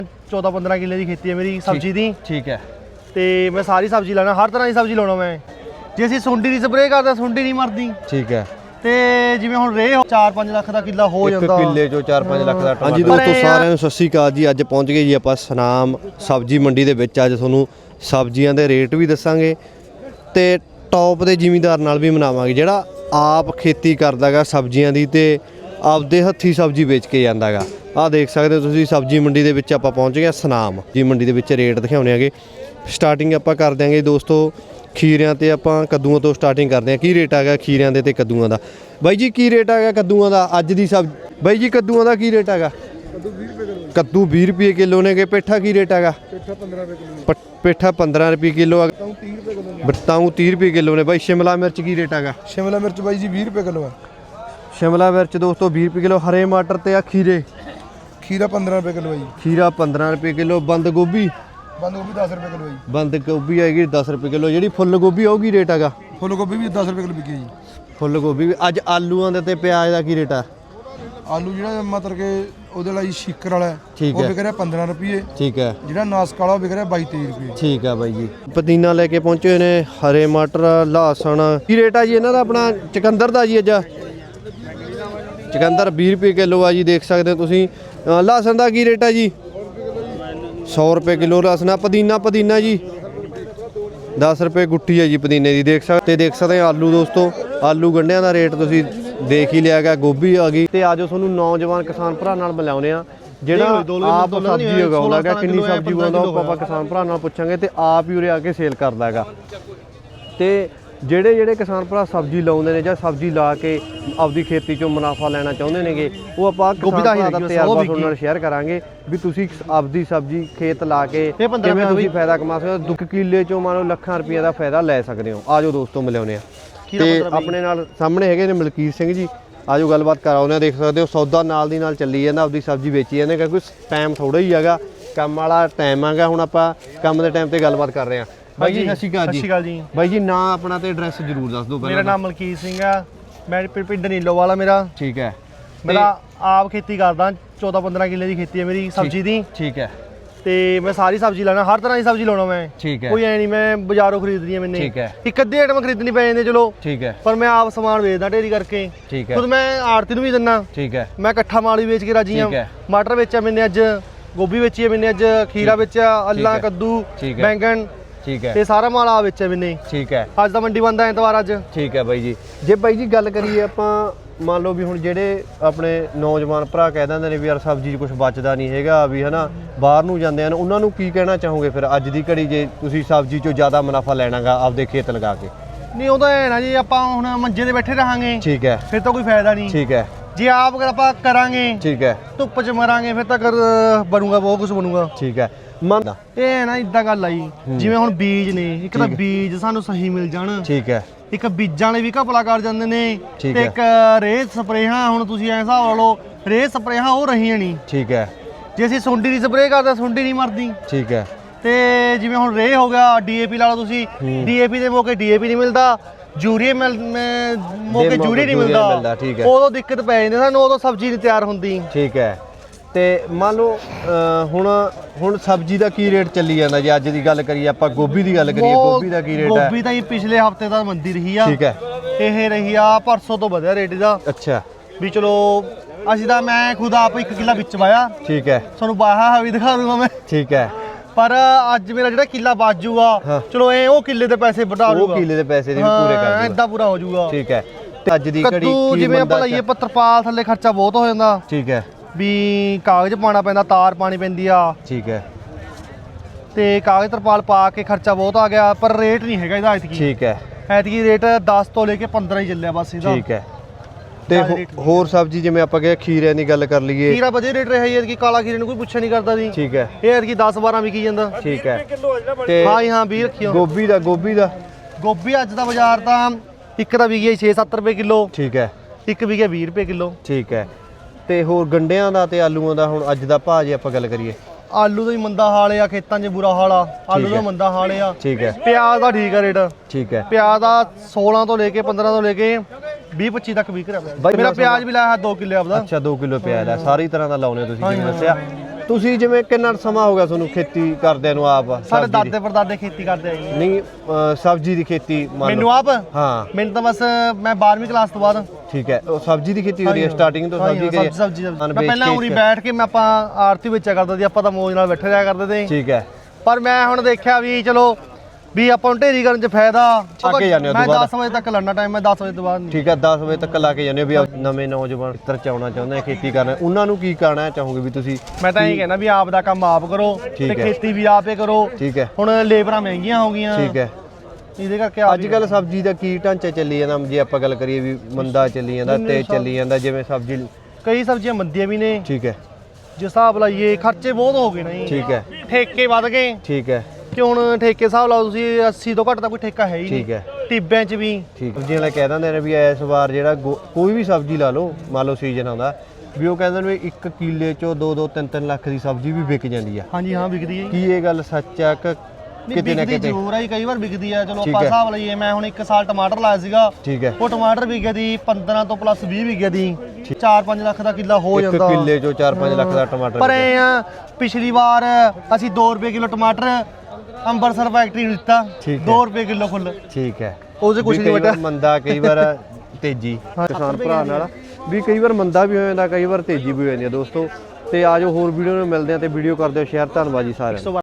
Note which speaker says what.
Speaker 1: 14-15 ਕਿੱਲੇ ਦੀ ਖੇਤੀ ਹੈ ਮੇਰੀ ਸਬਜ਼ੀ ਦੀ।
Speaker 2: ਠੀਕ ਹੈ।
Speaker 1: ਤੇ ਮੈਂ ਸਾਰੀ ਸਬਜ਼ੀ ਲਾਣਾ, ਹਰ ਤਰ੍ਹਾਂ ਦੀ ਸਬਜ਼ੀ ਲਾਉਣਾ ਮੈਂ। ਜੇ ਅਸੀਂ ਸੁੰਡੀ ਦੀ ਸਪਰੇਅ ਕਰਦੇ ਸੁੰਡੀ ਨਹੀਂ ਮਰਦੀ।
Speaker 2: ਠੀਕ ਹੈ।
Speaker 1: ਤੇ ਜਿਵੇਂ ਹੁਣ ਰੇਹ 4-5 ਲੱਖ ਦਾ ਕਿੱਲਾ ਹੋ ਜਾਂਦਾ,
Speaker 2: ਕਿੱਲੇ ਚੋਂ 4-5 ਲੱਖ ਦਾ।
Speaker 3: ਹਾਂਜੀ ਦੋਸਤੋ ਸਾਰਿਆਂ ਨੂੰ ਸਤਿ ਸ਼੍ਰੀ ਅਕਾਲ ਜੀ। ਅੱਜ ਪਹੁੰਚ ਗਏ ਜੀ ਆਪਾਂ ਸਨਾਮ ਸਬਜ਼ੀ ਮੰਡੀ ਦੇ ਵਿੱਚ। ਅੱਜ ਤੁਹਾਨੂੰ ਸਬਜ਼ੀਆਂ ਦੇ ਰੇਟ ਵੀ ਦੱਸਾਂਗੇ ਤੇ ਟੌਪ ਦੇ ਜ਼ਿਮੀਂਦਾਰ ਨਾਲ ਵੀ ਮਨਾਵਾਂਗੇ ਜਿਹੜਾ ਆਪ ਖੇਤੀ ਕਰਦਾ ਗਾ ਸਬਜ਼ੀਆਂ ਦੀ ਤੇ ਆਪਦੇ ਹੱਥੀ ਸਬਜ਼ੀ ਵੇਚ ਕੇ ਜਾਂਦਾ ਗਾ। ਆਹ ਦੇਖ ਸਕਦੇ ਹੋ ਤੁਸੀਂ ਸਬਜ਼ੀ ਮੰਡੀ ਦੇ ਵਿੱਚ ਆਪਾਂ ਪਹੁੰਚ ਗਏ ਸਨਾਮ ਜੀ ਮੰਡੀ ਦੇ ਵਿੱਚ। ਰੇਟ ਦਿਖਾਉਣੇ ਆਗੇ। ਸਟਾਰਟਿੰਗ ਆਪਾਂ ਕਰ ਦਿਆਂਗੇ ਦੋਸਤੋ ਖੀਰਿਆਂ ਤੇ ਆਪਾਂ ਕੱਦੂਆਂ ਤੋਂ ਸਟਾਰਟਿੰਗ ਕਰਦੇ ਹਾਂ। ਕੀ ਰੇਟ ਆ ਗਿਆ ਖੀਰਿਆਂ ਦੇ ਤੇ ਕੱਦੂਆਂ ਦਾ? ਬਾਈ ਜੀ ਕੀ ਰੇਟ ਆ ਗਿਆ ਕੱਦੂਆਂ ਦਾ ਅੱਜ ਦੀ ਬਾਈ ਜੀ ਕੱਦੂਆਂ ਦਾ ਕੀ ਰੇਟ ਹੈਗਾ? ਕੱਦੂ 20 ਰੁਪਏ ਕਿਲੋ ਨੇ। ਪੇਠਾ ਕੀ ਰੇਟ ਹੈਗਾ? ਪੇਠਾ 15 ਰੁਪਏ ਕਿਲੋ। ਬਤਾਊ 30 ਰੁਪਏ ਕਿਲੋ ਨੇ। ਬਾਈ ਸ਼ਿਮਲਾ ਮਿਰਚ ਕੀ ਰੇਟ ਹੈਗਾ?
Speaker 4: शिमला मिर्च बाई जी 20 रुपए किलो है।
Speaker 3: ਸ਼ਿਮਲਾ ਮਿਰਚ ਦੋਸਤੋ 20 ਰੁਪਏ ਕਿਲੋ। ਹਰੇ ਮਟਰ ਤੇ ਆ ਖੀਰੇ?
Speaker 4: खीरा 15 रुपए किलो है जी।
Speaker 3: ਖੀਰਾ 15 ਰੁਪਏ ਕਿਲੋ। ਬੰਦ ਗੋਭੀ?
Speaker 4: बंद गोभी 10 रुपए किलो है जी।
Speaker 3: ਬੰਦ ਗੋਭੀ ਆਏਗੀ 10 ਰੁਪਏ ਕਿਲੋ। ਜਿਹੜੀ ਫੁੱਲ ਗੋਭੀ ਆਉਗੀ ਰੇਟ ਹੈਗਾ?
Speaker 4: फुल गोभी भी 10 रुपए किलो बिके जी।
Speaker 3: ਫੁੱਲ ਗੋਭੀ ਵੀ। ਅੱਜ ਆਲੂਆਂ ਦੇ ਤੇ ਪਿਆਜ਼ ਦਾ ਕੀ ਰੇਟ ਆ?
Speaker 4: आलू ਜਿਹੜਾ ਮਤਲਬ ਕਿ ਉਹਦੇ ਲਈ ਸ਼ੀਕਰ ਵਾਲਾ
Speaker 3: ਠੀਕ
Speaker 4: ਉਹ
Speaker 3: ਹੈ।
Speaker 4: ਵਿਕ ਰਿਹਾ 15 ਰੁਪਏ।
Speaker 3: ਠੀਕ ਹੈ।
Speaker 4: ਜਿਹੜਾ ਨਾਸਕ ਵਾਲਾ ਉਹ ਵਿਕ ਰਿਹਾ 22-23 ਰੁਪਏ।
Speaker 3: ਠੀਕ ਆ ਬਾਈ ਜੀ। ਪੁਦੀਨਾ ਲੈ ਕੇ ਪਹੁੰਚੇ ਹੋਏ ਨੇ, ਹਰੇ ਮਟਰ, ਲਹਸਨ। ਕੀ ਰੇਟ ਆ ਜੀ ਇਹਨਾਂ ਦਾ? ਆਪਣਾ ਚੁਕੰਦਰ ਦਾ ਜੀ ਅੱਜ ਚੁਕੰਦਰ 20 ਰੁਪਏ ਕਿਲੋ ਆ ਜੀ। ਦੇਖ ਸਕਦੇ ਹੋ ਤੁਸੀਂ। ਲਹਸਨ ਦਾ ਕੀ ਰੇਟ ਆ ਜੀ? 100 ਰੁਪਏ ਕਿਲੋ ਲਹਸਨ ਆ। ਪੁਦੀਨਾ ਜੀ 10 ਰੁਪਏ ਗੁੱਟੀ ਹੈ ਜੀ ਪੁਦੀਨੇ ਦੀ। ਦੇਖ ਸਕਦੇ ਆਲੂ ਦੋਸਤੋ। ਆਲੂ ਗੰਢਿਆਂ ਦਾ ਰੇਟ ਤੁਸੀਂ ਦੇਖ ਹੀ ਲਿਆ ਗਾ। ਗੋਭੀ ਆ ਗਈ। ਤੇ ਆਜੋ ਤੁਹਾਨੂੰ ਨੌਜਵਾਨ ਕਿਸਾਨ ਭਰਾ ਨਾਲ ਮਿਲਾਉਂਦੇ ਆ ਜਿਹੜਾ ਆਪ ਸਬਜ਼ੀ ਉਗਾਉਂਦਾ ਹੈਗਾ। ਕਿੰਨੀ ਸਬਜ਼ੀ ਉਗਾਉਂਦਾ ਉਹ ਆਪਾਂ ਕਿਸਾਨ ਭਰਾ ਨਾਲ ਪੁੱਛਾਂਗੇ ਤੇ ਆਪ ਹੀ ਉਰੇ ਆ ਕੇ ਸੇਲ ਕਰਦਾ ਹੈਗਾ। ਤੇ ਜਿਹੜੇ ਕਿਸਾਨ ਭਰਾ ਸਬਜ਼ੀ ਲਾਉਂਦੇ ਨੇ ਜਾਂ ਸਬਜ਼ੀ ਲਾ ਕੇ ਆਪਦੀ ਖੇਤੀ ਚੋਂ ਮੁਨਾਫਾ ਲੈਣਾ ਚਾਹੁੰਦੇ ਨੇਗੇ, ਉਹ ਆਪਾਂ ਕਿਸਾਨ ਭਰਾ ਦਾ ਤਜਰਬਾ ਤੁਹਾਡੇ ਨਾਲ ਸ਼ੇਅਰ ਕਰਾਂਗੇ ਵੀ ਤੁਸੀਂ ਆਪਦੀ ਸਬਜ਼ੀ ਖੇਤ ਲਾ ਕੇ ਕਿਵੇਂ ਤੁਸੀਂ ਫਾਇਦਾ ਕਮਾ ਸਕਦੇ ਹੋ। 2 ਕਿੱਲੇ ਚੋਂ ਮੰਨ ਲਓ ਲੱਖਾਂ ਰੁਪਈਆ ਦਾ ਫਾਇਦਾ ਲੈ ਸਕਦੇ ਹੋ। ਆਜੋ ਦੋਸਤੋ ਮਿਲਾਉਂਦੇ ਆ। ਤੇ ਆਪਣੇ ਨਾਲ ਸਾਹਮਣੇ ਹੈਗੇ ਨੇ ਮਲਕੀਤ ਸਿੰਘ ਜੀ। ਆਜੋ ਗੱਲਬਾਤ ਕਰਾਉਂਦੇ ਆ। ਦੇਖ ਸਕਦੇ ਹੋ ਸੌਦਾ ਨਾਲ ਦੀ ਨਾਲ ਚੱਲੀ ਜਾਂਦਾ, ਆਪਦੀ ਸਬਜ਼ੀ ਵੇਚੀ ਜਾਂਦੇ ਕਿਉਂਕਿ ਟਾਈਮ ਥੋੜਾ ਹੀ ਹੈਗਾ, ਕੰਮ ਵਾਲਾ ਟਾਈਮ ਹੈਗਾ। ਹੁਣ ਆਪਾਂ ਕੰਮ ਦੇ ਟਾਈਮ ਤੇ ਗੱਲਬਾਤ ਕਰ ਰਹੇ ਹਾਂ। ਬਾਈ ਜੀ ਸਤਿ ਸ਼੍ਰੀ ਅਕਾਲ ਜੀ।
Speaker 1: ਸਤਿ ਸ਼੍ਰੀ ਅਕਾਲ ਜੀ।
Speaker 3: ਬਾਈ ਜੀ ਨਾਂ ਆਪਣਾ ਤੇ ਐਡਰੈਸ ਜ਼ਰੂਰ ਦੱਸ ਦਿਓ ਪਹਿਲਾਂ।
Speaker 1: ਮੇਰਾ ਨਾਮ ਮਲਕੀਤ ਸਿੰਘ ਆ। ਮੈਂ ਪਿੰਡ ਨੀਲੋ ਵਾਲਾ ਮੇਰਾ।
Speaker 3: ਠੀਕ ਹੈ।
Speaker 1: ਮੇਰਾ ਆਪ ਖੇਤੀ ਕਰਦਾ। 14-15 ਕਿੱਲੇ ਦੀ ਖੇਤੀ ਹੈ ਮੇਰੀ ਸਬਜ਼ੀ ਦੀ।
Speaker 3: ਠੀਕ ਹੈ।
Speaker 1: ਤੇ ਮੈਂ ਸਾਰੀ ਸਬਜ਼ੀ ਲਾਣਾ, ਹਰ ਤਰ੍ਹਾਂ ਦੀ ਸਬਜ਼ੀ ਲਾਉਣਾ ਮੈਂ।
Speaker 3: ਠੀਕ ਹੈ।
Speaker 1: ਕੋਈ ਐ ਨਹੀਂ ਮੈਂ ਬਾਜ਼ਾਰੋਂ ਖਰੀਦਦੀ ਆ ਮੈਨੇ।
Speaker 3: ਠੀਕ ਹੈ।
Speaker 1: ਇੱਕ ਅੱਧੀ ਆਈਟਮ ਖਰੀਦਣੀ ਪੈ ਜਾਂਦੀ ਚਲੋ।
Speaker 3: ਠੀਕ ਹੈ।
Speaker 1: ਪਰ ਮੈਂ ਆਪ ਸਮਾਨ ਵੇਚਦਾ ਢੇਰੀ ਕਰਕੇ।
Speaker 3: ਠੀਕ ਹੈ।
Speaker 1: ਖੁਦ ਮੈਂ ਆੜਤੀ ਨੂੰ ਵੀ ਦਿੰਦਾ।
Speaker 3: ਠੀਕ ਹੈ।
Speaker 1: ਮੈਂ ਇਕੱਠਾ ਮਾਲ ਵੀ ਵੇਚ ਕੇ ਰਾਜੀ ਆ।
Speaker 3: ਠੀਕ ਹੈ।
Speaker 1: ਮਟਰ ਵੇਚਿਆ ਮੈਨੇ ਅੱਜ, ਗੋਭੀ ਵੇਚੀ ਹੈ ਮੈਨੇ ਅੱਜ, ਖੀਰਾ ਵੇਚਿਆ, ਅੱਲਾ, ਕੱਦੂ, ਬੈਂਗਣ।
Speaker 3: ਠੀਕ ਹੈ।
Speaker 1: ਤੇ ਸਾਰਾ ਮਾਲ ਆ ਵੇਚਿਆ ਮੈਨੇ।
Speaker 3: ਠੀਕ ਹੈ।
Speaker 1: ਅੱਜ ਤਾਂ ਮੰਡੀ ਬੰਦ ਆ ਐਤਵਾਰ ਅੱਜ।
Speaker 3: ਠੀਕ ਹੈ ਬਾਈ ਜੀ। ਜੇ ਬਾਈ ਜੀ ਗੱਲ ਕਰੀਏ ਆਪਾਂ ਮੰਨ ਲਓ ਵੀ ਹੁਣ ਜਿਹੜੇ ਆਪਣੇ ਨੌਜਵਾਨ ਭਰਾ ਕਹਿ ਦਿੰਦੇ ਨੇ ਵੀ ਯਾਰ ਸਬਜ਼ੀ 'ਚ ਕੁਝ ਬਚਦਾ ਨਹੀਂ ਹੈਗਾ ਵੀ ਹਨਾ, ਬਾਹਰ ਨੂੰ ਜਾਂਦੇ ਹਨ, ਉਹਨਾਂ ਨੂੰ ਕੀ ਕਹਿਣਾ ਚਾਹੋਗੇ ਫਿਰ ਅੱਜ ਦੀ ਘੜੀ ਜੇ ਤੁਸੀਂ ਸਬਜ਼ੀ 'ਚੋਂ ਜ਼ਿਆਦਾ ਮੁਨਾਫਾ ਲੈਣਾਗਾ ਆਪਦੇ ਖੇਤ ਲਗਾ ਕੇ?
Speaker 1: ਨਹੀਂ ਉਹ ਤਾਂ ਹੈ ਨਾ ਜੀ, ਆਪਾਂ ਹੁਣ ਮੰਜੇ ਤੇ ਬੈਠੇ ਰਹਾਂਗੇ
Speaker 3: ਠੀਕ ਹੈ
Speaker 1: ਫਿਰ ਤਾਂ ਕੋਈ ਫਾਇਦਾ ਨਹੀਂ।
Speaker 3: ਠੀਕ ਹੈ।
Speaker 1: ਜੇ ਆਪ ਅਗਰ ਆਪਾਂ ਕਰਾਂਗੇ
Speaker 3: ਠੀਕ ਹੈ।
Speaker 1: ਧੁੱਪ 'ਚ ਮਰਾਂਗੇ ਫਿਰ ਤਾਂ ਬਣੂਗਾ, ਬਹੁਤ ਕੁਝ ਬਣੂਗਾ।
Speaker 3: ਠੀਕ ਹੈ।
Speaker 1: ਇਹ ਹੈ ਨਾ ਇਦਾਂ ਗੱਲ ਆਈ ਜਿਵੇਂ ਹੁਣ ਬੀਜ ਨੇ, ਇੱਕ ਤਾਂ ਬੀਜ ਸਾਨੂੰ ਸਹੀ ਮਿਲ ਜਾਣ।
Speaker 3: ਠੀਕ ਹੈ।
Speaker 1: ਇੱਕ ਬੀਜਾਂ ਨੇ ਵੀ ਘਪਲਾ ਕਰ ਜਾਂਦੇ ਨੇ
Speaker 3: ਠੀਕ
Speaker 1: ਤੇ
Speaker 3: ਹੈ।
Speaker 1: ਇੱਕ ਰੇਹ ਸਪਰੇਹਾਂ, ਹੁਣ ਤੁਸੀਂ ਐਂ ਹਿਸਾਬ ਲਾ ਲਓ ਰੇਹ ਸਪਰੇਹਾਂ ਉਹ ਰਹੀਆਂ ਨਹੀਂ।
Speaker 3: ਠੀਕ ਹੈ।
Speaker 1: ਜੇ ਅਸੀਂ ਸੁੰਡੀ ਦੀ ਸਪਰੇਅ ਕਰਦੇ ਸੁੰਡੀ ਨਹੀਂ ਮਰਦੀ।
Speaker 3: ਠੀਕ ਹੈ।
Speaker 1: ਤੇ ਜਿਵੇਂ ਹੁਣ ਰੇਹ ਹੋ ਗਿਆ, ਡੀਏਪੀ ਲਾ ਲਓ ਤੁਸੀਂ, ਡੀਏਪੀ ਦੇ ਮੌਕੇ ਡੀਏਪੀ ਨਹੀਂ ਮਿਲਦਾ, ਯੂਰੀਆ ਮੌਕੇ ਯੂਰੀਆ ਨਹੀਂ ਮਿਲਦਾ।
Speaker 3: ਠੀਕ ਹੈ।
Speaker 1: ਉਦੋਂ ਦਿੱਕਤ ਪੈ ਜਾਂਦੀ ਸਾਨੂੰ, ਉਦੋਂ ਸਬਜ਼ੀ ਨਹੀਂ ਤਿਆਰ ਹੁੰਦੀ।
Speaker 3: ਠੀਕ ਹੈ। ਤੇ ਮੰਨ ਲਓ ਹੁਣ ਸਬਜ਼ੀ ਦਾ ਕੀ ਰੇਟ ਚੱਲੀ ਜਾਂਦਾ ਜੇ ਅੱਜ ਦੀ ਗੱਲ ਕਰੀਏ ਆਪਾਂ? ਗੋਭੀ ਦੀ ਗੱਲ ਕਰੀਏ, ਗੋਭੀ ਦਾ ਕੀ ਰੇਟ ਹੈ?
Speaker 1: ਗੋਭੀ ਤਾਂ ਹੀ ਪਿਛਲੇ ਹਫਤੇ ਦਾ ਮੰਦੀ ਰਹੀ ਆ।
Speaker 3: ਠੀਕ ਹੈ।
Speaker 1: ਇਹ ਰਹੀ ਆ ਪਰਸੋਂ ਤੋਂ ਵਧਿਆ ਰੇਟ ਇਹਦਾ।
Speaker 3: ਅੱਛਾ।
Speaker 1: ਵੀ ਚਲੋ ਅਸੀਂ ਤਾਂ ਮੈਂ ਖੁਦ ਆਪ 1 ਕਿੱਲਾ ਵਿੱਚ ਵਾਇਆ।
Speaker 3: ਠੀਕ ਹੈ।
Speaker 1: ਤੁਹਾਨੂੰ ਬਾਹਾ ਵੀ ਦਿਖਾ ਦੂੰਗਾ ਮੈਂ।
Speaker 3: ਠੀਕ ਹੈ।
Speaker 1: ਪਰ ਅੱਜ ਮੇਰਾ ਜਿਹੜਾ ਕਿੱਲਾ ਬਚ ਜੂਗਾ ਚਲੋ ਉਹ ਕਿੱਲੇ ਦੇ ਪੈਸੇ ਵਧਾ ਲੂਗਾ,
Speaker 3: ਉਹ ਕਿੱਲੇ ਦੇ ਪੈਸੇ ਦੇ ਵੀ ਪੂਰੇ ਕਰ ਦੂਗਾ।
Speaker 1: ਏਦਾਂ ਪੂਰਾ ਹੋ ਜੂਗਾ।
Speaker 3: ਠੀਕ ਹੈ। ਤੇ ਅੱਜ ਦੀ ਘੜੀ
Speaker 1: ਕੱਦੂ ਜਿਵੇਂ ਆਪਾਂ ਲਈਏ ਤਰਪਾਲ ਥੱਲੇ ਖਰਚਾ ਬਹੁਤ ਹੋ ਜਾਂਦਾ।
Speaker 3: ਠੀਕ ਹੈ।
Speaker 1: ਵੀ ਕਾਗਜ਼ ਪਾਣਾ ਪੈਂਦਾ, ਤਾਰ ਪਾਣੀ ਪੈਂਦੀ ਆ।
Speaker 3: ਠੀਕ ਹੈ।
Speaker 1: ਤੇ ਕਾਗਜ਼ ਤਰਪਾਲ ਪਾ ਕੇ ਖਰਚਾ ਬਹੁਤ ਆ ਗਿਆ, ਪਰ ਰੇਟ ਨਹੀਂ ਹੈਗਾ ਇਹਦਾ ਐਤਕੀ।
Speaker 3: ਠੀਕ ਹੈ।
Speaker 1: ਐਤਕੀ ਰੇਟ 10 ਤੋਂ ਲੈ ਕੇ 15 ਹੀ ਚੱਲਿਆ ਬਸ ਇਹਦਾ।
Speaker 3: ਠੀਕ ਹੈ। ਤੇ ਹੋਰ ਸਬਜ਼ੀ ਜਿਵੇਂ ਆਪਾਂ ਕਹੇ ਖੀਰਿਆਂ ਦੀ ਗੱਲ ਕਰ ਲਈਏ,
Speaker 1: ਖੀਰਾ ਵਧੀਆ ਰੇਟ ਰਿਹਾ ਐਤਕੀ, ਕਾਲਾ ਖੀਰੇ ਨੂੰ ਕੋਈ ਪੁੱਛਿਆ ਨਹੀਂ ਕਰਦਾ ਜੀ।
Speaker 3: ਠੀਕ ਹੈ।
Speaker 1: ਇਹ ਐਤਕੀ 10-12 ਵਿਕੀ ਜਾਂਦਾ।
Speaker 3: ਠੀਕ ਹੈ। ਤੇ
Speaker 1: ਹਾਂ 20 ਰੱਖਿਓ।
Speaker 3: ਗੋਭੀ ਦਾ
Speaker 1: ਗੋਭੀ ਅੱਜ ਦਾ ਬਾਜ਼ਾਰ ਤਾਂ ਇੱਕ ਦਾ ਵਿਕਿਆ 6-7 ਰੁਪਏ ਕਿਲੋ।
Speaker 3: ਠੀਕ ਹੈ।
Speaker 1: ਇੱਕ ਵਿਕਿਆ 20 ਰੁਪਏ ਕਿਲੋ।
Speaker 3: ਠੀਕ ਹੈ। ਤੇ ਹੋਰ ਗੰਡਿਆਂ ਦਾ ਤੇ ਆਲੂਆਂ ਦਾ ਹੁਣ ਅੱਜ ਦਾ ਭਾਅ ਜੇ ਆਪਾਂ ਗੱਲ ਕਰੀਏ?
Speaker 1: ਆਲੂ ਦਾ ਹੀ ਮੰਦਾ ਹਾਲ ਆ, ਖੇਤਾਂ 'ਚ ਬੁਰਾ ਹਾਲ ਆ। ਆਲੂ ਦਾ ਮੰਦਾ ਹਾਲ ਆ।
Speaker 3: ਠੀਕ ਹੈ।
Speaker 1: ਪਿਆਜ਼ ਦਾ ਠੀਕ ਆ ਰੇਟ।
Speaker 3: ਠੀਕ ਹੈ।
Speaker 1: ਪਿਆਜ਼ ਦਾ 16 ਤੋਂ ਲੈ ਕੇ 15 ਤੋਂ ਲੈ ਕੇ 20-25 ਤੱਕ ਵਿਕ ਰਿਹਾ। ਮੇਰਾ ਪਿਆਜ਼ ਵੀ ਲਾਇਆ 2 ਕਿੱਲੇ ਆਪਦਾ।
Speaker 3: ਅੱਛਾ 2 ਕਿਲੋ ਪਿਆਜ਼ ਦਾ ਸਾਰੀ ਤਰ੍ਹਾਂ ਦਾ ਲਾਉਨੇ ਤੁਸੀਂ ਜਿਵੇਂ ਦੱਸਿਆ। ਤੁਸੀਂ ਜਿਵੇਂ ਕਿੰਨਾ ਸਮਾਂ ਹੋ ਗਿਆ ਤੁਹਾਨੂੰ ਖੇਤੀ ਕਰਦਿਆਂ ਨੂੰ ਆਪ
Speaker 1: ਸਾਡੇ
Speaker 3: ਸਬਜ਼ੀ ਦੀ?
Speaker 1: ਦਾਦੇ ਪੜਦਾਦੇ ਖੇਤੀ ਕਰਦੇ ਆ ਜੀ।
Speaker 3: ਨਹੀਂ ਸਬਜ਼ੀ ਦੀ ਖੇਤੀ ਮੰਨ ਲਓ।
Speaker 1: ਮੈਨੂੰ ਆਪ
Speaker 3: ਹਾਂ
Speaker 1: ਮੈਨੂੰ ਤਾਂ ਬਸ ਮੈਂ 12ਵੀਂ ਕਲਾਸ ਤੋਂ ਬਾਅਦ
Speaker 3: ਠੀਕ ਹੈ, ਉਹ ਸਬਜ਼ੀ ਦੀ ਖੇਤੀ ਹੋ ਰਹੀ ਹੈ ਸਟਾਰਟਿੰਗ ਤੋਂ ਸਬਜ਼ੀ ਕਰੀ ਹੈ?
Speaker 1: ਸਬਜ਼ੀ ਮੈਂ ਪਹਿਲਾਂ ਉਰੀ ਬੈਠ ਕੇ ਮੈਂ ਆਪਾਂ ਆਰਤੀ ਵੇਚਿਆ ਕਰਦਾ ਸੀ, ਆਪਾਂ ਤਾਂ ਮੌਜ ਨਾਲ ਬੈਠੇ ਰਿਹਾ ਕਰਦੇ ਤੇ।
Speaker 3: ਠੀਕ ਹੈ,
Speaker 1: ਪਰ ਮੈਂ ਹੁਣ ਦੇਖਿਆ ਵੀ ਚਲੋ ਵੀ ਆਪਾਂ ਨੂੰ ਢੇਰੀ ਕਰਨ 'ਚ ਫਾਇਦਾ।
Speaker 3: ਅੱਗੇ ਜਾਂਦੇ ਹੋ
Speaker 1: ਮੈਂ
Speaker 3: ਦੁਬਾਰਾ।
Speaker 1: 10 ਵਜੇ ਤੱਕ ਲੜਨਾ ਟਾਈਮ, ਮੈਂ 10 ਵਜੇ ਤੋਂ ਬਾਅਦ ਨਹੀਂ।
Speaker 3: ਠੀਕ ਹੈ 10 ਵਜੇ ਤੱਕ ਲਾ ਕੇ ਜਾਂਦੇ ਹੋ ਵੀ ਨਵੇਂ ਨੌਜਵਾਨ ਇੱਧਰ ਚ ਆਉਣਾ ਚਾਹੁੰਦੇ ਆ ਖੇਤੀ ਕਰਨਾ, ਉਹਨਾਂ ਨੂੰ ਕੀ ਕਹਿਣਾ ਚਾਹੋਗੇ ਵੀ ਤੁਸੀਂ?
Speaker 1: ਮੈਂ ਤਾਂ ਇਹ ਕਹਿਣਾ ਵੀ ਆਪ ਦਾ ਕੰਮ ਆਪ ਕਰੋ ਤੇ
Speaker 3: ਠੀਕ ਹੈ।
Speaker 1: ਖੇਤੀ ਵੀ ਆਪੇ ਕਰੋ।
Speaker 3: ਠੀਕ ਹੈ,
Speaker 1: ਹੁਣ ਲੇਬਰਾਂ ਮਹਿੰਗੀਆਂ ਹੋ ਗਈਆਂ,
Speaker 3: ਠੀਕ ਹੈ।
Speaker 1: ਇਹਦੇ ਕਰਕੇ ਆਪ
Speaker 3: ਅੱਜ ਕੱਲ ਸਬਜ਼ੀ ਦਾ ਕੀ ਢਾਂਚਾ ਚੱਲੀ ਜਾਂਦਾ, ਜੇ ਆਪਾਂ ਗੱਲ ਕਰੀਏ ਵੀ ਮੰਦਾ ਚੱਲੀ ਜਾਂਦਾ ਤੇ ਚੱਲੀ ਜਾਂਦਾ ਜਿਵੇਂ ਸਬਜ਼ੀ?
Speaker 1: ਕਈ ਸਬਜ਼ੀਆਂ ਮੰਦੀਆਂ ਵੀ ਨੇ,
Speaker 3: ਠੀਕ ਹੈ,
Speaker 1: ਜੇ ਹਿਸਾਬ ਲਾਈਏ ਖਰਚੇ ਬਹੁਤ ਹੋ ਗਏ ਨੇ।
Speaker 3: ਠੀਕ ਹੈ,
Speaker 1: ਠੇਕੇ ਵੱਧ ਗਏ
Speaker 3: ਠੀਕ ਹੈ,
Speaker 1: ਕਿ ਹੁਣ ਠੇਕੇ ਹਿਸਾਬ ਲਾਓ ਤੁਸੀਂ 80 ਤੋਂ ਘੱਟ ਤਾਂ ਕੋਈ ਠੇਕਾ ਹੈ ਹੀ ਨਹੀਂ।
Speaker 3: ਠੀਕ ਹੈ,
Speaker 1: ਟਿੱਬਿਆਂ 'ਚ ਵੀ
Speaker 3: ਠੀਕ। ਸਬਜ਼ੀਆਂ ਵਾਲੇ ਕਹਿ ਦਿੰਦੇ ਨੇ ਵੀ ਇਸ ਵਾਰ ਜਿਹੜਾ ਕੋਈ ਵੀ ਸਬਜ਼ੀ ਲਾ ਲਓ, ਮੰਨ ਲਓ ਸੀਜ਼ਨ ਆਉਂਦਾ ਵੀ ਉਹ ਕਹਿੰਦੇ ਨੇ ਵੀ 1 ਕਿੱਲੇ ਚੋਂ 2-2 3-3 ਲੱਖ ਦੀ ਸਬਜ਼ੀ ਵੀ ਵਿਕ ਜਾਂਦੀ ਆ।
Speaker 1: ਹਾਂਜੀ ਹਾਂ ਵਿਕਦੀ ਹੈ
Speaker 3: ਕੀ ਇਹ ਗੱਲ ਸੱਚ ਆ ਕਿ ਕਿਤੇ ਨਾ
Speaker 1: ਵਿਕਦੀ
Speaker 3: ਕਿਤੇ?
Speaker 1: ਜ਼ਰੂਰ ਆ ਜੀ, ਕਈ ਵਾਰ ਵਿਕਦੀ ਆ। ਚਲੋ
Speaker 3: ਠੀਕ
Speaker 1: ਆਪਾਂ
Speaker 3: ਹੈ।
Speaker 1: ਹਿਸਾਬ ਲਈਏ, ਮੈਂ ਹੁਣ 1 ਸਾਲ ਟਮਾਟਰ ਲਾਇਆ ਸੀਗਾ,
Speaker 3: ਠੀਕ ਹੈ,
Speaker 1: ਉਹ ਟਮਾਟਰ ਵਿਕਿਆ ਦੀ 15 ਤੋਂ ਪਲੱਸ 20 ਵਿਕਿਆ ਦੀ 4-5 ਲੱਖ ਦਾ ਕਿੱਲਾ ਹੋ
Speaker 3: 1
Speaker 1: ਜਾਂਦਾ।
Speaker 3: ਕਿੱਲੇ ਚੋਂ 4-5 ਲੱਖ ਦਾ ਟਮਾਟਰ
Speaker 1: ਪਰ
Speaker 3: ਵਿਕਿਆ।
Speaker 1: ਐ ਆ ਪਿਛਲੀ ਵਾਰ ਅਸੀਂ 2 ਰੁਪਏ ਕਿਲੋ ਟਮਾਟਰ ਅੰਬਰਸਰ ਫੈਕਟਰੀ ਨੂੰ ਦਿੱਤਾ,
Speaker 3: ਠੀਕ ਹੈ।
Speaker 1: 2 ਰੁਪਏ ਕਿਲੋ ਫੁੱਲ।
Speaker 3: ਠੀਕ ਹੈ,
Speaker 1: ਉਹਦੇ ਕੁਝ
Speaker 3: ਵੀ
Speaker 1: ਨਹੀਂ
Speaker 3: ਕਈ ਵਾਰ
Speaker 1: ਬਚਿਆ।
Speaker 3: ਮੰਦਾ, ਕਈ ਵਾਰ ਤੇਜ਼ੀ ਕਿਸਾਨ ਭਰਾ ਨਾਲ ਵੀ ਕਈ ਵਾਰ ਮੰਦਾ ਵੀ ਹੋ ਜਾਂਦਾ, ਕਈ ਵਾਰ ਤੇਜ਼ੀ ਵੀ ਹੋ ਜਾਂਦੀ ਹੈ ਦੋਸਤੋ। ਤੇ ਆਜੋ ਹੋਰ ਵੀਡੀਓ ਨੂੰ ਮਿਲਦੇ ਆ ਤੇ ਵੀਡੀਓ ਕਰਦੇ ਹੋ ਸ਼ੇਅਰ। ਧੰਨਵਾਦ ਜੀ ਸਾਰਿਆਂ ਦਾ।